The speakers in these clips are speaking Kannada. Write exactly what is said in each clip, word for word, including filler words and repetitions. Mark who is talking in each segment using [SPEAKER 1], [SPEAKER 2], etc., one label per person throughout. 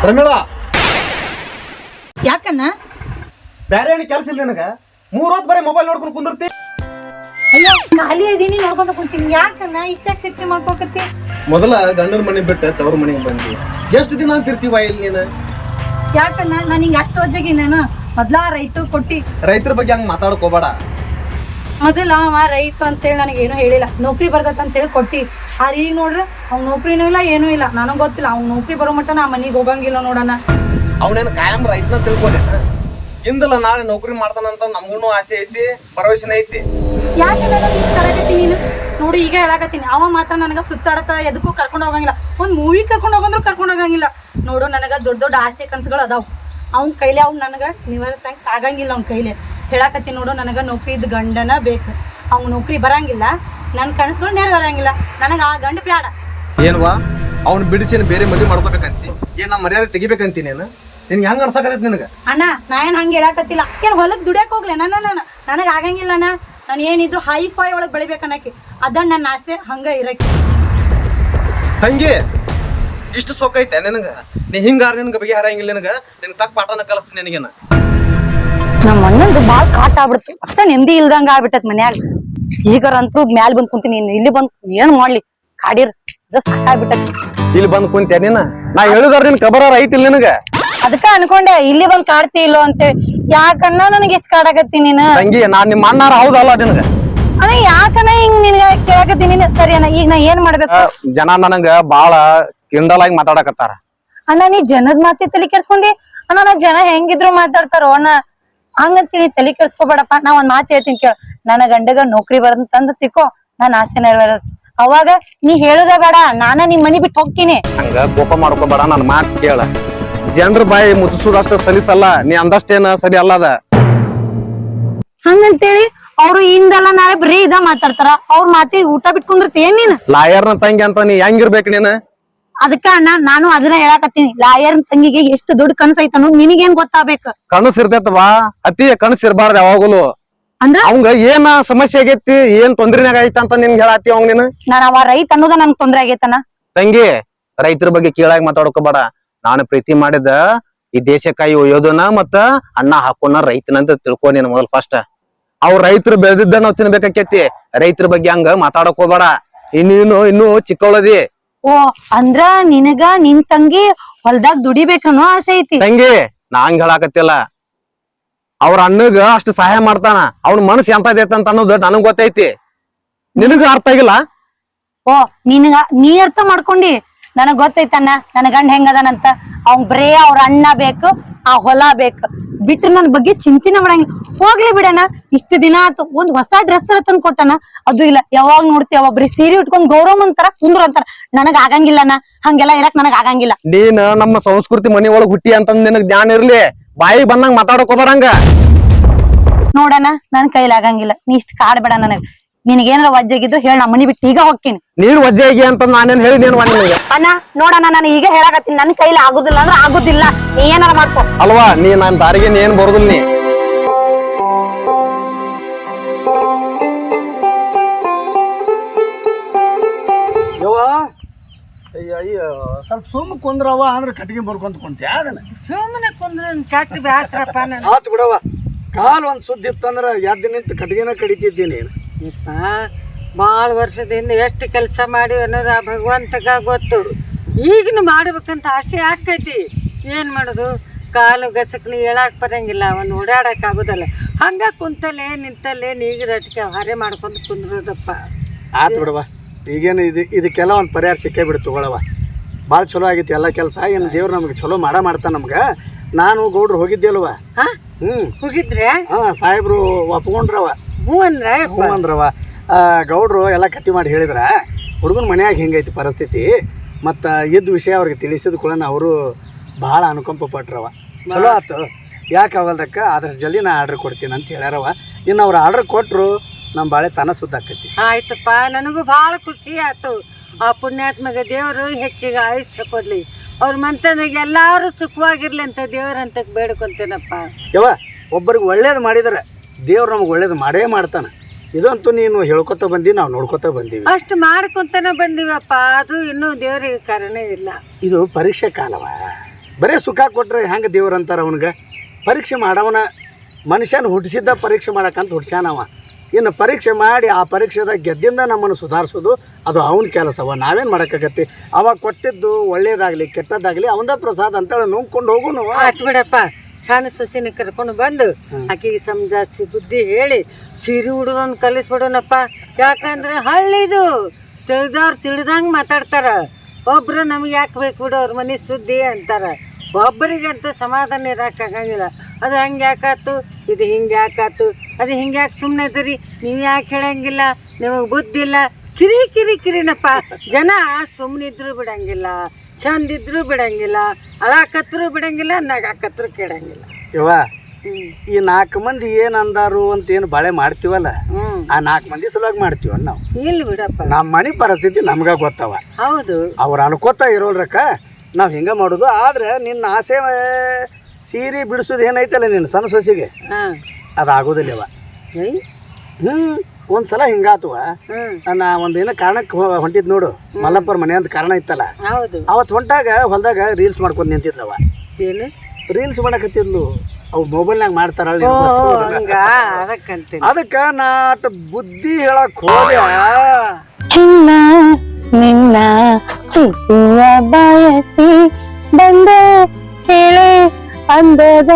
[SPEAKER 1] ಪ್ರಮೀಳಾ
[SPEAKER 2] ಯಾಕನ್ನ
[SPEAKER 1] ಬೇರೆ ಏನು ಕೆಲಸ ಇಲ್ಲ ನಿನಗ ಮೂರ್ ಹೊತ್ತು ಬರೀ ಮೊಬೈಲ್ ನೋಡ್ಕೊಂಡು ಕುಂದಿರ್ತಿ.
[SPEAKER 2] ಅಯ್ಯೋ ಖಾಲಿ ಇದೀನಿ ನೋಡ್ಕೊಂತ ಕುಂತೀನಿ. ಯಾಕನ್ನ ಇಷ್ಟಾಗಿ ಸಿಕ್ಕಿ ಮಾಡ್ಕೋಕತ್ತಿ?
[SPEAKER 1] ಮೊದಲ ಗಂಡನ ಮನೆ ಬಿಟ್ಟು ತವ್ರ ಮನೆಗೆ ಬಂದಿ. ಎಷ್ಟು ದಿನ ಅಂತಿರ್ತೀವ ಇಲ್ಲಿ ನೀನು?
[SPEAKER 2] ಯಾಕನ್ನ ನಾನು ಹಿಂಗ ಅಷ್ಟು ವಜ್ಜಾಗಿ ನಾನು ಮೊದ್ಲ ರೈತ ಕೊಟ್ಟಿ
[SPEAKER 1] ರೈತರ ಬಗ್ಗೆ ಹಂಗೆ ಮಾತಾಡ್ಕೋಬೇಡ.
[SPEAKER 2] ಮೊದಲ ಅವ ರೈತ ಅಂತೇಳಿ ನನಗೇನು ಹೇಳಿಲ್ಲ, ನೌಕರಿ ಬರ್ತೈತೆ ಅಂತೇಳಿ ಕೊಟ್ಟಿ. ಆದ್ರೆ ಈಗ ನೋಡ್ರಿ ಅವ್ನ ನೌಕರಿನೂ ಇಲ್ಲ ಏನೂ ಇಲ್ಲ. ನನಗೆ ಗೊತ್ತಿಲ್ಲ ಅವ್ನ ನೌಕರಿ ಬರೋ ಮಟ್ಟ ನಾ ಮನೆಗೆ ಹೋಗಂಗಿಲ್ಲ ನೋಡೋಣ.
[SPEAKER 1] ಅವನೇನು ಕಾಯಂ ರೈತನ ತಿಳ್ಕೊಂಡೇನ? ಹಿಂದಲ್ಲ ನಾಳೆ ನೌಕರಿ ಮಾಡ್ತಾನಂತ ನಮಗೂ ಆಸೆ ಐತಿ, ಭರವಸೆನ ಐತಿ.
[SPEAKER 2] ಯಾಕೆ ಕರಾಕತ್ತೀನಿ ನೀನು ನೋಡಿ? ಈಗ ಹೇಳಾಕತ್ತೀನಿ, ಅವ ಮಾತ್ರ ನನಗೆ ಸುತ್ತಾಡಕ ಎದಕ್ಕೂ ಕರ್ಕೊಂಡು ಹೋಗಂಗಿಲ್ಲ. ಒಂದು ಮೂವಿ ಕರ್ಕೊಂಡು ಹೋಗಂದ್ರು ಕರ್ಕೊಂಡು ಹೋಗಂಗಿಲ್ಲ. ನೋಡು ನನಗೆ ದೊಡ್ಡ ದೊಡ್ಡ ಆಸೆ ಕನಸುಗಳು ಅದಾವು. ಅವ್ನ ಕೈಲಿ ಅವ್ನು ನನಗೆ ನಿವಾರಿಸಂಗೆ ಆಗಂಗಿಲ್ಲ. ಅವ್ನ ಕೈಲಿ ಹೇಳಾಕತ್ತೀನಿ ನೋಡು, ನನಗೆ ನೌಕರಿ ಇದ್ದ ಗಂಡನ ಬೇಕು. ಅವ್ನು ನೌಕರಿ ಬರಂಗಿಲ್ಲ, ನನ್ನ ಕನಸುಗಳು ನೆರವೇರಂಗಿಲ್ಲ. ನನಗೆ ಆ ಗಂಡ ಬ್ಯಾಡ.
[SPEAKER 1] ಏನ್ವಾ ಅವ್ನು ಬಿಡಿಸಿ ಬೇರೆ ಮದುವೆ ಮಾಡ್ಕೋಬೇಕಂತಿ? ಏನ್ ನಾ ಮರ್ಯಾದೆ ತೆಗಿಬೇಕಂತೀನಿ ನಾನು? ನಿನ್ಗೆ ಹೆಂಗ್ ಅನ್ಸಕತ್ತೈತಿ ನಿನಗೆ?
[SPEAKER 2] ಅಣ್ಣ ನಾ ಏನು ಹಂಗೆ ಹೇಳಾಕತ್ತಿಲ್ಲ. ಏನು ಹೊಲಕ್ಕೆ ದುಡಿಯಕ್ಕೆ ಹೋಗ್ಲಿ ನಾನು ನಾನು ನನಗೆ ಆಗಂಗಿಲ್ಲಣ್ಣ. ನಾನು ಏನಿದ್ರು ಹೈ ಫೈ ಒಳಗೆ ಬೆಳಿಬೇಕನ್ನಕ್ಕೆ ಅದನ್ನ ನನ್ನ ಆಸೆ ಹಂಗೆ ಇರಕ್ಕೆ.
[SPEAKER 1] ತಂಗಿ ಇಷ್ಟು ಸೊಕ್ಕೈತೆ ನಿನಗೆ? ನೀ ಹಿಂಗಾರ ನಿನಗೆ ಬಗೆ ಹರಂಗಿಲ್ಲ. ನಿನಗೆ ನಿನ್ ತಕ್ಕ ಪಾಠನ ಕಲಿಸ್ತೀನಿ ನಿನಗೇನ.
[SPEAKER 2] ನಮ್ಮ ಅಣ್ಣಂದು ಭಾಳ ಕಾಟ ಆಗ್ಬಿಡ್ತು. ಅಷ್ಟ ನೆಮ್ಮದಿ ಇಲ್ದಂಗ ಆಗ್ಬಿಟ್ಟತ್ ಮನ್ಯಾಗ. ಈಗರಂತೂ ಮ್ಯಾಲ್ ಬಂದ್ ಕುಂತೀನಿ. ಇಲ್ಲಿ ಬಂದ್ ಏನ್ ಮಾಡ್ಲಿ ಕಾಡಿರ್ ಜಸ್ಟ್ ಸಾಕಾಗ್ಬಿಟ್ಟತ್.
[SPEAKER 1] ಇಲ್ಲಿ ಬಂದ್ ಕುಂತ್ಯ ನೀನ? ನಾ ಹೇಳಿದಾರ ನಿನ್ ಕಬರ ಐತಿಲ್ಲ ನಿನಗ?
[SPEAKER 2] ಅದಕ್ಕ ಅನ್ಕೊಂಡೆ ಇಲ್ಲಿ ಬಂದ್ ಕಾಡ್ತಿ ಇಲ್ಲೋ ಅಂತೇಳಿ. ಯಾಕನ್ನ ನನಗೆ ಎಷ್ಟ್ ಕಾಡಾಕತ್ತಿ ನೀನು?
[SPEAKER 1] ತಂಗಿ ನಾನ್ ನಿಮ್ಮ ಅಣ್ಣಾರ ಹೌದಲ್ಲ ನಿನಗ?
[SPEAKER 2] ಅಣ್ಣ ಯಾಕನ್ನ ಹಿಂಗ್ ನಿನ್ಗ ಕೇಳಾಕತ್ತಿ ನೀನು? ಸರಿ ಅಣ್ಣ, ಈಗ ನಾ ಏನ್ ಮಾಡ್ಬೇಕು?
[SPEAKER 1] ಜನ ನನಗ ಬಾಳ ಕಿಂಡಲ್ ಆಗಿ ಮಾತಾಡಕತ್ತಾರ.
[SPEAKER 2] ಅಣ್ಣ ನೀ ಜನದ್ ಮಾತಿ ತಲೆ ಕೆಡ್ಸ್ಕೊಂಡಿ. ಅಣ್ಣ ನಾ ಜನ ಹೆಂಗಿದ್ರು ಮಾತಾಡ್ತಾರೋ ಅಣ್ಣ, ಹಂಗಂತೀನಿ ತಲೆ ಕೆಡ್ಸ್ಕೊಬೇಡಪ್ಪ. ನಾ ಒಂದ್ ಮಾತು ಹೇಳ್ತೀನಿ ಕೇಳ. ನನ್ನ ಗಂಡಗ ನೌಕರಿ ಬರಂತಂದ ತಿಕ್ಕೋ, ನಾನ್ ಆಸೆ ನೆರವೇರ. ಅವಾಗ ನೀ ಹೇಳುದ ಬೇಡ, ನಾನ ನಿಮ್ ಮನಿ ಬಿಟ್ಟು ಹೋಗ್ತೀನಿ.
[SPEAKER 1] ಹಂಗ ಕೋಪ ಮಾಡ್ಕೋಬೇಡ, ನನ್ ಮಾತು ಕೇಳ. ಜನರ ಬಾಯಿ ಮುಚ್ಚಿಸೋದಷ್ಟ ಸಲಿಸಲ್ಲ, ನೀ ಅಂದಷ್ಟೇನ ಸರಿ ಅಲ್ಲದ.
[SPEAKER 2] ಹಂಗಂತೇಳಿ ಅವ್ರು ಇಂದಲ್ಲ ನಾಳೆ ಬರೀ ಇದ ಮಾತಾಡ್ತಾರ. ಅವ್ರ ಮಾತಿ ಊಟ ಬಿಟ್ಕೊಂಡಿರ್ತಿ ಏನ್ ನೀನ್?
[SPEAKER 1] ಲಾಯರ್ನ ತಂಗಿ ಅಂತ ನೀ ಹೆಂಗಿರ್ಬೇಕು ನೀನು?
[SPEAKER 2] ಅದಕ್ಕ ಅಣ್ಣ ನಾನು ಅದನ್ನ ಹೇಳಾಕತ್ತೀನಿ. ಲಾಯರ್ ತಂಗಿಗೆ ಎಷ್ಟು ದೊಡ್ಡ ಕನಸು ಐತನು ನಿನಗೇನ್ ಗೊತ್ತಾಗ್ಬೇಕು?
[SPEAKER 1] ಕನಸು ಇರ್ತೈತವಾ, ಅತಿ ಕನಸು ಇರಬಾರ್ದು ಯಾವಾಗಲೂ.
[SPEAKER 2] ಅಂದ್ರ
[SPEAKER 1] ಅವಂಗ ಏನ ಸಮಸ್ಯೆ ಆಗೈತಿ, ಏನ್ ತೊಂದ್ರೆನಾಗ ಐತ ಅಂತ ನಿನ್ಗೆ ಹೇಳಾತಿ ಅವಂಗ ನೀನು?
[SPEAKER 2] ನಾನ್ ಅವ ರೈತ ಅನ್ನೋದ ನನ್ ತೊಂದ್ರೆ ಆಗೈತನ?
[SPEAKER 1] ತಂಗಿ ರೈತರ ಬಗ್ಗೆ ಕೀಳಾಗಿ ಮಾತಾಡ್ಕೋಬೇಡ. ನಾನು ಪ್ರೀತಿ ಮಾಡಿದ ಈ ದೇಶಕ್ಕಾಗಿ ಒಯ್ಯೋದನ ಮತ್ತ ಅಣ್ಣ ಹಾಕೋಣ ರೈತನಂತ ತಿಳ್ಕೊ ನೀನು ಮೊದಲ್ ಫಸ್ಟ್. ಅವ್ರ ರೈತರು ಬೆಳೆದಿದ್ದ ನಾವ್ ತಿನ್ಬೇಕಾಕೇತಿ. ರೈತರ ಬಗ್ಗೆ ಹಂಗ ಮಾತಾಡಕ್ ಹೋಗ್ಬೇಡ. ಇನ್ನೇನು ಇನ್ನು ಚಿಕ್ಕವಳದಿ.
[SPEAKER 2] ಓ ಅಂದ್ರ ನಿನಗ ನಿನ್ ತಂಗಿ ಹೊಲ್ದಾಗ ದುಡಿಬೇಕನ್ನೋ ಆಸೆ ಐತಿ?
[SPEAKER 1] ತಂಗಿ ನಾ ಹಂಗ ಹೇಳಾಕತ್ತಿಲ್ಲ. ಅವ್ರ ಅಣ್ಣಗ ಅಷ್ಟು ಸಹಾಯ ಮಾಡ್ತಾನ. ಅವ್ನ ಮನಸ್ಸು ಎಂತದೈತೆ ಅಂತ ಅನ್ನೋದು ನನಗ್ ಗೊತ್ತೈತಿ. ನಿನಗ ಅರ್ಥ ಆಗಿಲ್ಲ?
[SPEAKER 2] ಓ ನಿನಗ ನೀ ಅರ್ಥ ಮಾಡ್ಕೊಂಡಿ. ನನಗ್ ಗೊತ್ತೈತಣ್ಣ ನನ್ ಗಂಡ ಹೆಂಗದನಂತ. ಅವ್ನ್ ಬರೇ ಅವ್ರ ಅಣ್ಣ ಬೇಕು, ಆ ಹೊಲ ಬೇಕು, ಬಿಟ್ರೆ ನನ್ ಬಗ್ಗೆ ಚಿಂತಿನ ಮಾಡಂಗಿಲ್ಲ. ಹೋಗ್ಲಿ ಬಿಡಣ, ಇಷ್ಟು ದಿನ ಆತು ಒಂದ್ ಹೊಸ ಡ್ರೆಸ್ ತಂದ್ ಕೊಟ್ಟನ, ಅದು ಇಲ್ಲ. ಯಾವಾಗ ನೋಡ್ತೀವಿ ಒಬ್ರಿ ಸೀರೆ ಉಟ್ಕೊಂಡ್ ಗೌರವ ಅಂತಾರ, ಕುಂದ್ರ ಅಂತಾರ. ನನಗ್ ಆಗಂಗಿಲ್ಲನ ಹಂಗೆಲ್ಲಾ ಇರಕ್, ನನಗ್ ಆಗಂಗಿಲ್ಲ.
[SPEAKER 1] ನೀನ್ ನಮ್ಮ ಸಂಸ್ಕೃತಿ ಮನಿ ಒಳಗ್ ಹುಟ್ಟಿ ಅಂತ ನಿನಗ್ ಜ್ಞಾನ ಇರ್ಲಿ. ಬಾಯಿ ಬಂದಂಗ ಮಾತಾಡಕೋಬಾರಂಗ.
[SPEAKER 2] ನೋಡಣ ನನ್ ಕೈಲಿ ಆಗಂಗಿಲ್ಲ. ನೀ ಇಷ್ಟ ಕಾಡ್ಬೇಡ ನನಗ್. ನಿನಗೇನಾರ ವಜ್ಜಾಗಿದ್ರು ಹೇಳ, ನಾ ಮನಿ ಬಿಟ್ಟು ಈಗ ಹೋಗ್ತೀನಿ.
[SPEAKER 1] ನೀನ್ ವಜ್ಜೆ ಆಗಿ ಅಂತ ನಾನೇನ್ ಹೇಳಿ ನೀನ್ ನಿನಗೆ?
[SPEAKER 2] ಅಣ್ಣ ನೋಡಣ, ನಾನು ಈಗ ಹೇಳಾಕತ್ತೀನಿ, ನನ್ ಕೈಲಿ ಆಗುದಿಲ್ಲ ಅಂದ್ರೆ ಆಗುದಿಲ್ಲ. ನೀ ಏನಾರ ಮಾಡ್ಕೊ
[SPEAKER 1] ಅಲ್ವಾ? ನೀ ನಾನ್ ದಾರಿಗೆ ನೀ ಏನ್ ಬರೋದಿಲ್ಲ. ನೀ
[SPEAKER 3] ಅಯ್ಯೋ ಸ್ವಲ್ಪ ಸುಮ್ಮ ಕುಂದ್ರವ ಅಂದ್ರೆ ಕಟ್ಟಿಗೆ ಬರ್ಕೊಂತ ಕುಂತ್ಯಾ? ಅದನ್ನ
[SPEAKER 2] ಸುಮ್ಮನೆ ಕುಂದ್ರ ಕೆಟ್ಟ ಬ್ಯಾಸ್ರಪ್ಪ.
[SPEAKER 3] ಆತು ಬಿಡವ. ಕಾಲು ಒಂದ್ ಸುದ್ದಿ ಇತ್ತಂದ್ರ ಎದ್ದು ನಿಂತು ಕಟ್ಟಿಗೆನ ಕಡಿತಿದ್ದೀನಿ.
[SPEAKER 4] ಭಾಳ ವರ್ಷದಿಂದ ಎಷ್ಟು ಕೆಲಸ ಮಾಡಿ ಅನ್ನೋದು ಆ ಭಗವಂತಗ ಗೊತ್ತು. ಈಗಿನ ಮಾಡ್ಬೇಕಂತ ಆಸೆ ಆಕೈತಿ. ಏನು ಮಾಡೋದು? ಕಾಲು ಗಸಕ್ನಿ ಹೇಳಕ್ ಬರಂಗಿಲ್ಲ, ಅವನು ಓಡಾಡಕ್ ಆಗೋದಲ್ಲ. ಹಂಗ ಕುಂತಲ್ಲೇ ನಿಂತಲ್ಲೇ ನೀಗದಟ್ಟಿಗೆ ಹಾರೆ ಮಾಡ್ಕೊಂಡು ಕುಂದ್ರೋದಪ್ಪ.
[SPEAKER 3] ಆತು ಬಿಡವ. ಈಗೇನು ಇದು ಇದಕ್ಕೆಲ್ಲ ಒಂದು ಪರಿಹಾರ ಸಿಕ್ಕೇ ಬಿಡು, ತಗೊಳವ. ಭಾಳ ಚಲೋ ಆಗೈತಿ ಎಲ್ಲ ಕೆಲಸ. ಏನು ದೇವ್ರು ನಮಗೆ ಚಲೋ ಮಾಡ ಮಾಡ್ತಾನ ನಮ್ಗೆ. ನಾನು ಗೌಡ್ರು ಹೋಗಿದ್ದೆ ಅಲ್ವ?
[SPEAKER 4] ಹಾ
[SPEAKER 3] ಹ್ಞೂ
[SPEAKER 4] ಹೋಗಿದ್ರೆ?
[SPEAKER 3] ಹಾಂ ಸಾಹೇಬ್ರು ಒಪ್ಕೊಂಡ್ರವ.
[SPEAKER 4] ಹ್ಞೂ ಅಂದ್ರೆ
[SPEAKER 3] ಹ್ಞೂ ಅಂದ್ರವ. ಗೌಡ್ರು ಎಲ್ಲ ಕತ್ತಿ ಮಾಡಿ ಹೇಳಿದ್ರ ಹುಡುಗನ ಮನ್ಯಾಗ ಹಿಂಗೈತಿ ಪರಿಸ್ಥಿತಿ. ಮತ್ತು ಇದ್ದ ವಿಷಯ ಅವ್ರಿಗೆ ತಿಳಿಸಿದ ಕೂಡ ಅವರು ಭಾಳ ಅನುಕಂಪ ಪಟ್ರವ. ಚಲೋ ಆತು. ಯಾಕೆ ಆಗಲ್ದಕ್ಕ ಅದ್ರ ಜಲ್ದಿ ನಾ ಆರ್ಡ್ರ್ ಕೊಡ್ತೀನಿ ಅಂತ ಹೇಳ್ಯಾರವ. ಇನ್ನು ಅವ್ರು ಆರ್ಡ್ರ್ ಕೊಟ್ಟರು ನಮ್ಮ ಬಾಳೆ ತನ ಸುದ್ದಾಕೈತಿ.
[SPEAKER 4] ಆಯ್ತಪ್ಪ, ನನಗೂ ಭಾಳ ಖುಷಿ ಆಯ್ತು. ಆ ಪುಣ್ಯಾತ್ಮಗ ದೇವರು ಹೆಚ್ಚಿಗೆ ಆಯುಷ್ಯ ಕೊಡ್ಲಿ. ಅವ್ರ ಮಂತನಾಗ ಎಲ್ಲಾರು ಸುಖವಾಗಿರ್ಲಿ ಅಂತ ದೇವ್ರಂತ ಬೇಡ್ಕೊಂತೇನಪ್ಪ.
[SPEAKER 3] ಯವ್ವ, ಒಬ್ಬರಿಗೆ ಒಳ್ಳೇದು ಮಾಡಿದ್ರೆ ದೇವ್ರು ನಮಗೆ ಒಳ್ಳೇದು ಮಾಡೇ ಮಾಡ್ತಾನೆ. ಇದಂತೂ ನೀನು ಹೇಳ್ಕೊತ ಬಂದಿ, ನಾವು ನೋಡ್ಕೊತ ಬಂದೀವಿ.
[SPEAKER 4] ಅಷ್ಟು ಮಾಡ್ಕೊಂತಾನೆ ಬಂದೀವಪ್ಪ. ಅದು ಇನ್ನೂ ದೇವ್ರಿಗೆ ಕಾರಣ ಇಲ್ಲ.
[SPEAKER 3] ಇದು ಪರೀಕ್ಷೆ ಕಾಲವ. ಬರೀ ಸುಖ ಕೊಟ್ರೆ ಹೆಂಗೆ ದೇವ್ರು ಅಂತಾರೆ ಅವನಿಗೆ. ಪರೀಕ್ಷೆ ಮಾಡವನ ಮನುಷ್ಯನ ಹುಟ್ಟಿಸಿದ್ದ ಪರೀಕ್ಷೆ ಮಾಡಕ್ಕಂತ ಹುಡ್ಸ್ಯಾನವ. ಇನ್ನು ಪರೀಕ್ಷೆ ಮಾಡಿ ಆ ಪರೀಕ್ಷೆದಾಗ ಗೆದ್ದಿಂದ ನಮ್ಮನ್ನು ಸುಧಾರಿಸೋದು ಅದು ಅವನ ಕೆಲಸವ. ನಾವೇನು ಮಾಡೋಕ್ಕಾಗತ್ತೆ? ಅವಾಗ ಕೊಟ್ಟಿದ್ದು ಒಳ್ಳೇದಾಗಲಿ ಕೆಟ್ಟದ್ದಾಗಲಿ ಅವಂದ ಪ್ರಸಾದ ಅಂತೇಳಿ ನುಂಗ್ಕೊಂಡು ಹೋಗುನು.
[SPEAKER 4] ಆತ್ ಬಿಡಪ್ಪ, ಸಣ್ಣ ಸೊಸಿನ ಕರ್ಕೊಂಡು ಬಂದು ಆಕೆಗೆ ಸಮಜಾಯಿಸಿ ಬುದ್ಧಿ ಹೇಳಿ ಸೀರೆ ಉಡೋದನ್ನು ಕಲಿಸ್ಬಿಡೋಣಪ್ಪ. ಯಾಕಂದ್ರೆ ಹಳ್ಳಿದು ತಿಳಿದವ್ರು ತಿಳಿದಂಗೆ ಮಾತಾಡ್ತಾರ. ಒಬ್ರು ನಮ್ಗೆ ಯಾಕೆ ಬೇಕು ಬಿಡು ಅವ್ರ ಮನೆ ಸುದ್ದಿ ಅಂತಾರೆ. ಒಬ್ಬರಿಗಂತೂ ಸಮಾಧಾನ ಇರೋಕ್ಕಾಗಂಗಿಲ್ಲ. ಅದು ಹಂಗೆ ಯಾಕಾತು, ಇದು ಹಿಂಗೆ ಯಾಕಾತು, ಅದು ಹಿಂಗೆ ಯಾಕೆ ಸುಮ್ಮನೆ ಇದ್ದೀರಿ, ನೀವು ಯಾಕೆ ಹೇಳಂಗಿಲ್ಲ, ನಿಮಗೆ ಬುದ್ಧಿ ಇಲ್ಲ, ಕಿರಿ ಕಿರಿ ಕಿರಿನಪ್ಪ. ಜನ ಸುಮ್ಮನಿದ್ರು ಬಿಡಂಗಿಲ್ಲ, ಚಂದ ಇದ್ರು ಬಿಡಂಗಿಲ್ಲ, ಅಳಾಕತ್ರು ಬಿಡಂಗಿಲ್ಲ, ನಗಾಕತ್ರು ಕೇಳಂಗಿಲ್ಲ.
[SPEAKER 3] ಯವ್ವ, ಈ ನಾಲ್ಕು ಮಂದಿ ಏನ್ ಅಂದಾರು ಅಂತ ಏನು ಬಾಳೆ ಮಾಡ್ತೀವಲ್ಲ, ಆ ನಾಲ್ಕು ಮಂದಿ ಸಲುವಾಗಿ ಮಾಡ್ತೀವ ನಾವು.
[SPEAKER 4] ಇಲ್ಲ ಬಿಡಪ್ಪ,
[SPEAKER 3] ನಮ್ಮ ಮನೆ ಪರಿಸ್ಥಿತಿ ನಮ್ಗ ಗೊತ್ತವ.
[SPEAKER 4] ಹೌದು,
[SPEAKER 3] ಅವ್ರು ಅನ್ಕೋತಾ ಇರೋಲ್ರಕ್ಕ ನಾವು ಹಿಂಗ ಮಾಡುದು. ಆದ್ರೆ ನಿನ್ನ ಆಸೆ ಸೀರೆ ಬಿಡಿಸೋದು ಏನೈತಲ್ಲ ನಿನ್ನ ಸಣ್ಣ ಸೊಸಿಗೆ, ಅದು ಆಗೋದಿಲ್ಲವ. ಹ್ಮ್ ಒಂದ್ಸಲ ಹಿಂಗಾತವ. ನಾ ಒಂದೇನೋ ಕಾರಣಕ್ಕೆ ಹೊಂಟಿದ್ ನೋಡು, ಮಲ್ಲಪ್ಪರ ಮನೆ ಅಂತ ಕಾರಣ ಇತ್ತಲ್ಲ, ಅವತ್ತು ಹೊಂಟಾಗ ಹೊಲ್ದಾಗ ರೀಲ್ಸ್ ಮಾಡ್ಕೊಂಡು ನಿಂತಿದ್ಲವ.
[SPEAKER 4] ಏನು
[SPEAKER 3] ರೀಲ್ಸ್ ಮಾಡಕತ್ತಿದ್ಲು, ಅವು ಮೊಬೈಲ್ನಾಗ ಮಾಡ್ತಾರ. ಅದಕ್ಕ ನಾಟ ಬುದ್ಧಿ ಹೇಳಕ್ ಹೋದ.
[SPEAKER 2] ಚಿನ್ನ ನಿನ್ನ ಪ್ರೀತಿಯ ಬಯಸಿ ಬಂದೆ ಹೇಳೆ ಅಂದದ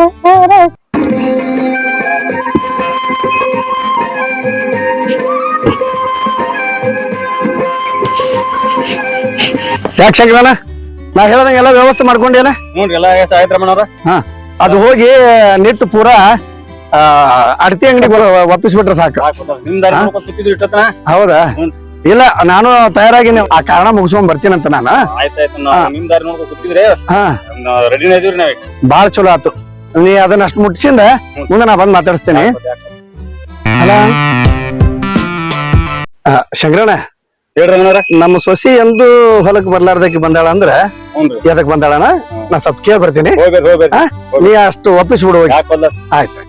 [SPEAKER 3] ಯಾಕೆ ಶಂಕರಣ್ಣ, ನಾ ಹೇಳ್ದಂಗೆ ಎಲ್ಲ ವ್ಯವಸ್ಥೆ ಮಾಡ್ಕೊಂಡಿಲ್ಲ? ಹಾ, ಅದು ಹೋಗಿ ನಿಟ್ಟು ಪೂರಾ ಅಡತಿ ಅಂಗಡಿಗೆ ಒಪ್ಪಿಸ್ಬಿಟ್ರೆ ಸಾಕು. ಹೌದಾ? ಇಲ್ಲ, ನಾನು ತಯಾರಾಗಿ ಆ ಕಾರಣ ಮುಗಿಸ್ಕೊಂಡ್ ಬರ್ತೀನಂತ ನಾನು. ಬಾಳ ಚಲೋ ಆತು. ನೀ ಅದನ್ನ ಅಷ್ಟು ಮುಟ್ಸಿಂದ ಮುಂದೆ ನಾ ಬಂದ್ ಮಾತಾಡಿಸ್ತೇನೆ. ಅಲ್ಲ ಶಂಕರಣ್ಣ, ನಮ್ಮ ಸೊಸಿ ಎಂದು ಹೊಲಕ್ ಬರ್ಲಾರ್ದಕ್ಕೆ ಬಂದಾಳ ಅಂದ್ರ ಎದಕ್ ಬಂದಾಳನ ನಾ ಸ್ವಲ್ಪ ಕೇಳಿ ಬರ್ತೀನಿ. ನೀ ಅಷ್ಟು ಒಪ್ಪಿಸ್ಬಿಡು. ಆಯ್ತು.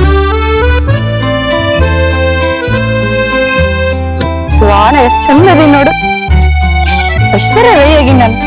[SPEAKER 2] ವಾಣ ಎಷ್ಟು ಚಂದದಿ ನೋಡು, ಅಷ್ಟರ ರೆಡಿಯಾಗಿ ನಾನು.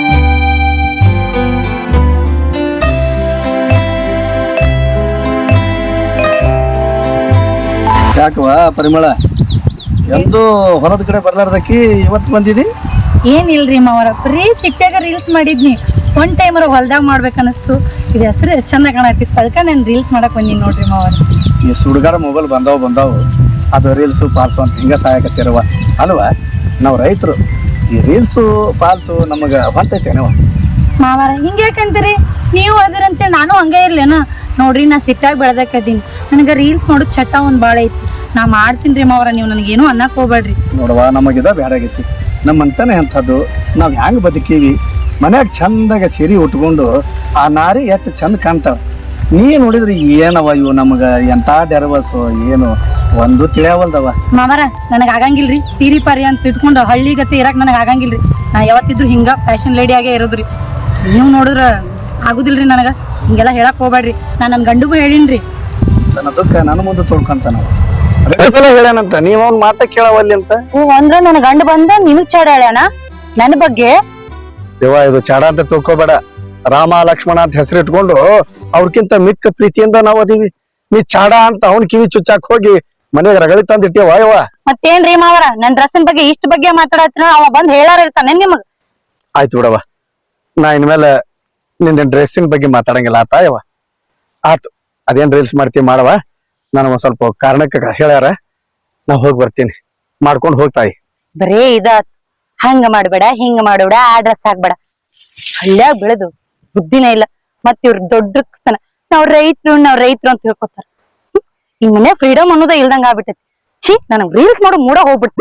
[SPEAKER 3] ಯಾಕವಾ ಪರಿಮಳ, ಎಂದು ಹೊಲದ ಕಡೆ ಬರ್ಲಾರ್ದಕ್ಕಿ ಇವತ್ತು ಬಂದಿದಿ?
[SPEAKER 2] ಏನಿಲ್ರಿ ಮಾವರ, ಬರೀ ಸಿಟ್ಟಾಗ ರೀಲ್ಸ್ ಮಾಡಿದ್ನಿ. ಒನ್ ಟೈಮರ ಹೊಲ್ದಾಗ ಮಾಡ್ಬೇಕನ್ನಿಸ್ತು. ಇದು ಹೆಸರು ಚಂದ ಕಾಣತಿತ್ತು, ಅದಕ್ಕೆ ನಾನು ರೀಲ್ಸ್ ಮಾಡಕ್ ಬಂದೀನಿ ನೋಡ್ರಿ ಮಾವರ.
[SPEAKER 3] ಈ ಸುಡುಗಾಡ ಮೊಬೈಲ್ ಬಂದಾವ್ ಬಂದಾವು ಅದು ರೀಲ್ಸು ಪಾಲ್ಸು ಅಂತ ಹಿಂಗ ಸಹಾಯಕತ್ತಿರವ ಅಲ್ವಾ? ನಾವು ರೈತರು, ಈ ರೀಲ್ಸು ಪಾಲ್ಸು ನಮಗ ಹೊಂತೈತೇನವ
[SPEAKER 2] ಮಾವಾರ? ಹಿಂಗೆ ಯಾಕಂತೀರಿ? ನೀವು ಅದಿರಂತೇಳಿ ನಾನು ಹಂಗೆ ಇರ್ಲೇನ? ನೋಡ್ರಿ, ನಾ ಸಿಟ್ಟಾಗಿ ಬೆಳ್ದಕ್ಕದೀನಿ. ನನಗೆ ರೀಲ್ಸ್ ಮಾಡೋದು ಚಟ ಒಂದು ಭಾಳ ಐತಿ. ನಾ ಮಾಡ್ತೀನಿ ರೀ ಮಾವರ, ನೀವು ನನಗೇನು ಅನ್ನಕ್ಕೆ ಹೋಗ್ಬೇಡ್ರಿ.
[SPEAKER 3] ನೋಡವಾ, ನಮಗಿದ ಬ್ಯಾಡಾಗೈತಿ. ನಮ್ಮಂತಾನೆ ಅಂಥದ್ದು ನಾವು ಹೆಂಗೆ ಬದುಕೀವಿ. ಮನ್ಯಾಗ ಚಂದಾಗ ಸಿರಿ ಉಟ್ಕೊಂಡು ಆ ನಾರಿ ಎಷ್ಟು ಚಂದ ಕಾಣ್ತಾವ. ನೀ ನೋಡಿದ್ರಿ ಏನವ ಇವು ನಮಗ ಎಂತ ಡೆರವಸು ಏನು ಒಂದು ತಿಳಿಯವಲ್ದವ.
[SPEAKER 2] ಮಾಮರ, ನನಗೆ ಆಗಂಗಿಲ್ರಿ ಸೀರಿ ಪಾರಿ ಅಂತ ಇಟ್ಕೊಂಡು ಹಳ್ಳಿ ಗತಿ ಇರಕ್ ನನಗೆ ಆಗಂಗಿಲ್ರಿ. ನಾ ಯಾವತ್ತಿದ್ರು ಹಿಂಗ ಫ್ಯಾಷನ್ ಲೇಡಿ ಆಗೇ ಇರೋದ್ರಿ. ನೀವು ನೋಡಿದ್ರ ಆಗುದಿಲ್ರಿ ನನಗ. ಹಿಂಗೆಲ್ಲ ಹೇಳಕ್ ಹೋಗ್ಬೇಡ್ರಿ. ನಾ ನನ್ನ ಗಂಡಿಗೂ ಹೇಳಿನ್ರಿ.
[SPEAKER 3] ನನ್ನ ದುಃಖ ನನ್ನ ಮುಂದೆ ತೊಳ್ಕೊಂತ ನಾವು ಹೇಳ್ಯಾನಂತ ನೀವ್ ಅವ್ನ ಮಾತ ಕೇಳವಲ್ಲಿ ಅಂತ.
[SPEAKER 2] ಹ್ಞೂ ಅಂದ್ರ ನನ್ನ ಗಂಡ ಬಂದ ನಿನಗ್ ಚಾಡ ಹೇಳ್ಯಾನ ನನ್ನ ಬಗ್ಗೆ.
[SPEAKER 3] ದೇವ, ಇದು ಚಾಡ ಅಂತ ತಿಳ್ಕೊಬೇಡ. ರಾಮ ಲಕ್ಷ್ಮಣ ಅಂತ ಹೆಸರು ಇಟ್ಕೊಂಡು ಅವ್ರಕ್ಕಿಂತ ಮಿಕ್ಕ ಪ್ರೀತಿಯಿಂದ ನಾವ್ ಅದೀವಿ. ನೀ ಚಾಡ ಅಂತ ಅವ್ನ ಕಿವಿ ಚುಚ್ಚಾಕ್ ಹೋಗಿ ಮನೆಗೆ ರಗಳಿ ತಂದ್ ಇಟ್ಟಿವ ಯವ್ವ.
[SPEAKER 2] ಮತ್ತೇನ್ರಿ ಮಾವರ, ನನ್ ಡ್ರೆಸ್ಸಿನ ಬಗ್ಗೆ ಇಷ್ಟ ಬಗ್ಗೆ ಮಾತಾಡತ್ರ ಅವ ಬಂದ್ ಹೇಳಾರ ಇರ್ತಾನೆ ನಿಮಗ್.
[SPEAKER 3] ಆಯ್ತು ಬಿಡವ, ನಾ ಇನ್ಮೇಲೆ ನಿನ್ನ ಡ್ರೆಸ್ಸಿನ ಬಗ್ಗೆ ಮಾತಾಡಂಗಿಲ್ಲ ಆತ ಯವ್ವ. ಆತು, ಅದೇನ್ ರೀಲ್ಸ್ ಮಾಡ್ತೀವಿ ಮಾಡವ. ನಾನು ಒಂದ್ ಸ್ವಲ್ಪ ಕಾರಣಕ್ಕೆ ಹೇಳ್ಯಾರ, ನಾ ಹೋಗಿ ಬರ್ತೀನಿ. ಮಾಡ್ಕೊಂಡು ಹೋಗ್ತಾಯಿ.
[SPEAKER 2] ಬರೇ ಇದಾತ್, ಹಂಗ ಮಾಡ್ಬೇಡ ಹಿಂಗ ಮಾಡ್ಬೇಡ, ಆ ಡ್ರೆಸ್ ಹಾಕ್ಬೇಡ. ಹಳ್ಳ್ಯಾಗ ಬೆಳೆದು ಬುದ್ಧಿನ ಇಲ್ಲ. ಮತ್ ಇವ್ರ ದೊಡ್ಡ ನಾವ್ ರೈತರು ನಾವ್ ರೈತರು ಅಂತ ಹೇಳ್ಕೊತಾರ. ಈ ಮನೆ ಫ್ರೀಡಮ್ ಅನ್ನೋದ ಇಲ್ದಂಗ ಆಗ್ಬಿಟ್ಟೈತಿ. ಛೀ, ನನಗ್ ರೀಲ್ಸ್ ಮಾಡೋ ಮೂಡ ಹೋಗ್ಬಿಡ್ತ.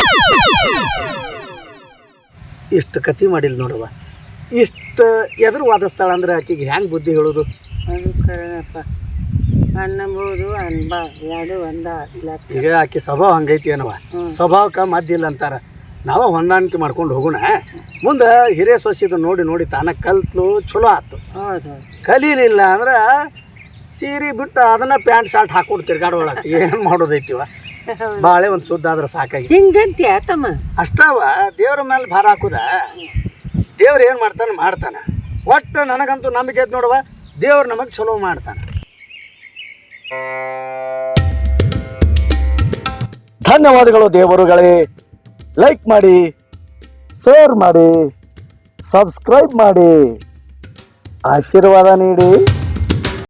[SPEAKER 3] ಇಷ್ಟು ಕತಿ ಮಾಡಿಲ್ ನೋಡವ. ಇಷ್ಟ ಎದುರು ವಾದಿಸ್ತಾಳ ಅಂದ್ರೆ ಆಕಿಗೆ ಹೆಂಗ್ ಬುದ್ಧಿ ಹೇಳೋದು?
[SPEAKER 4] ಅದು ಕರೆನಪ್ಪ, ಅನ್ನಬಹುದು ಅನ್ಬ ಎರಡು ಒಂದ.
[SPEAKER 3] ಈಗ ಆಕಿ ಸ್ವಭಾವ ಹಂಗೈತಿ ಏನವ, ಸ್ವಭಾವಕ್ಕ ಮದ್ದಿಲ್ಲ ಅಂತಾರ. ನಾವ ಹೊಂದಾಣಿಕೆ ಮಾಡ್ಕೊಂಡು ಹೋಗೋಣ. ಮುಂದೆ ಹಿರಿಯ ಸೊಸಿದು ನೋಡಿ ನೋಡಿ ತಾನ ಕಲ್ತ್ಲು, ಚಲೋ ಆತು. ಕಲೀಲಿಲ್ಲ ಅಂದ್ರ ಸೀರೆ ಬಿಟ್ಟು ಅದನ್ನ ಪ್ಯಾಂಟ್ ಶರ್ಟ್ ಹಾಕೊಂಡು ತಿರ್ಗಾಡೋಳಕ ಏನ್ ಮಾಡೋದೈತಿವ. ಬಾಳೆ ಒಂದ್ ಸುದ್ದ ಆದ್ರ ಸಾಕಾಗಿ
[SPEAKER 4] ಹಿಂಗಂತ್ಯ ತಮ್ಮ.
[SPEAKER 3] ಅಷ್ಟವ ದೇವ್ರ ಮೇಲೆ ಭಾರ ಹಾಕುದ. ದೇವ್ರ ಏನ್ ಮಾಡ್ತಾನ ಮಾಡ್ತಾನ. ಒಟ್ಟು ನನಗಂತೂ ನಂಬಿಕೆ ಐತೆ ನೋಡುವ, ದೇವ್ರು ನಮಗೆ ಚಲೋ ಮಾಡ್ತಾನೆ. ಧನ್ಯವಾದಗಳು ದೇವರುಗಳೇ. ಲೈಕ್ ಮಾಡಿ, ಶೇರ್ ಮಾಡಿ, ಸಬ್ಸ್ಕ್ರೈಬ್ ಮಾಡಿ, ಆಶೀರ್ವಾದ ನೀಡಿ.